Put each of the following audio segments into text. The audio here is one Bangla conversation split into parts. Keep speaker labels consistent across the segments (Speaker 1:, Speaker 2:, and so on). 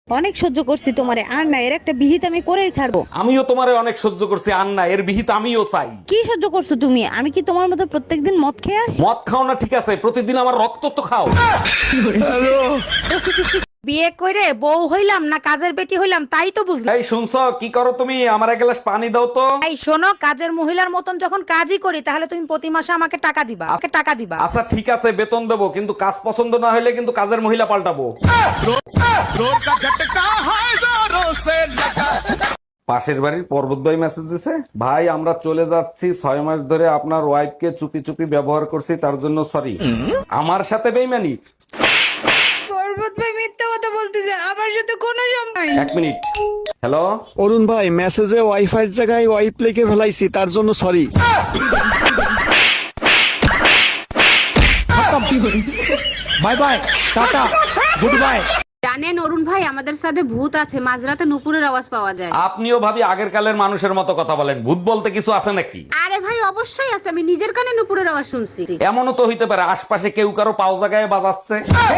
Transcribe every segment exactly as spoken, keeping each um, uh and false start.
Speaker 1: অনেক সহ্য করছি তোমারে, আর না এর একটা বিহিত আমি করেই ছাড়বো।
Speaker 2: আমিও তোমারে অনেক সহ্য করছি, আর না এর বিহিত আমিও চাই।
Speaker 1: কি সহ্য করছো তুমি? আমি কি তোমার মতো প্রত্যেকদিন মদ খেয়ে আসি?
Speaker 2: মদ খাও না ঠিক আছে, প্রতিদিন আমার রক্ত তো খাও।
Speaker 3: বিয়ে করে বউ হইলাম না কাজের বেটি হইলাম তাই তো বুঝলাম।
Speaker 2: এই শুনছো, কি করো তুমি? আমার এক গ্লাস পানি দাও তো।
Speaker 3: এই শোনো, কাজের মহিলার মতন যখন কাজই করি তাহলে তুমি প্রতি মাসে আমাকে টাকা দিবা, আমাকে টাকা দিবা।
Speaker 2: আচ্ছা ঠিক আছে, বেতন দেবো, কিন্তু কাজ পছন্দ না হলে কিন্তু কাজের মহিলা পাল্টাবো। পাশের বাড়ির পর্বত ভাই মেসেজ দিছে, ভাই আমরা চলে যাচ্ছি, ছয় মাস ধরে আপনার ওয়াইফকে চুপি চুপি ব্যবহার করছি, তার জন্য সরি। আমার সাথে বেইমানি?
Speaker 1: পর্বত ভাই মিথ্যা কথা বলতেছে, আমার সাথে কোনো সম্পর্ক নাই।
Speaker 2: এক মিনিট। হ্যালো,
Speaker 4: অরুণ ভাই, মেসেজে ওয়াইফাই এর জায়গায় ওয়াইপ লিখে ফেলাইছি, তার জন্য sorry.
Speaker 5: Bye bye, tata, goodbye.
Speaker 6: জানেন অরুণ ভাই, আমাদের সাথে ভূত আছে, মাঝরাতে নুপুরের আওয়াজ পাওয়া যায়।
Speaker 2: আপনিও ভাবি আগের কালের মানুষের মতো কথা বলেন, ভূত বলতে কিছু আছে নাকি?
Speaker 6: আরে ভাই অবশ্যই আছে, আমি নিজের কানে নুপুরের আওয়াজ শুনছি।
Speaker 2: এমনও তো হইতে পারে আশপাশে কেউ কারো পাও জায়গায় বাজাচ্ছে।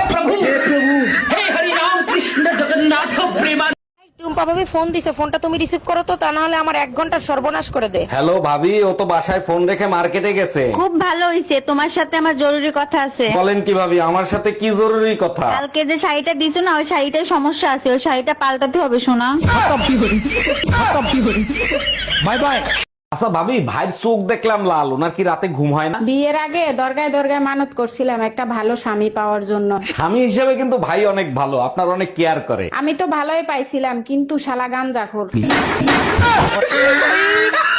Speaker 3: টুম্পা ভাবি ফোন দিছে, ফোনটা তুমি রিসিভ করো তো, তা না হলে আমার এক ঘন্টা সর্বনাশ করে দে।
Speaker 2: হ্যালো ভাবি, ও তো বাসায় ফোন রেখে মার্কেটে গেছে।
Speaker 1: খুব ভালো হইছে, তোমার সাথে আমার জরুরি কথা আছে।
Speaker 2: বলেন কি ভাবি, আমার সাথে কি জরুরি কথা?
Speaker 1: কালকে যে শাড়িটা দিছো না, ওই শাড়িটায় সমস্যা আছে, ওই শাড়িটা পাল্টাতে হবে শোনা।
Speaker 5: Bye bye.
Speaker 2: আচ্ছা ভাবি, ভাইয়ের চোখ দেখলাম লাল, ওনার কি রাতে ঘুম হয় না?
Speaker 7: বিয়ের আগে দরগায় দরগায় মানত করছিলাম একটা ভালো স্বামী পাওয়ার জন্য।
Speaker 2: স্বামী হিসেবে কিন্তু ভাই অনেক ভালো, আপনার অনেক কেয়ার করে।
Speaker 7: আমি তো ভালোই পাইছিলাম, কিন্তু শালা গাঞ্জাখোর।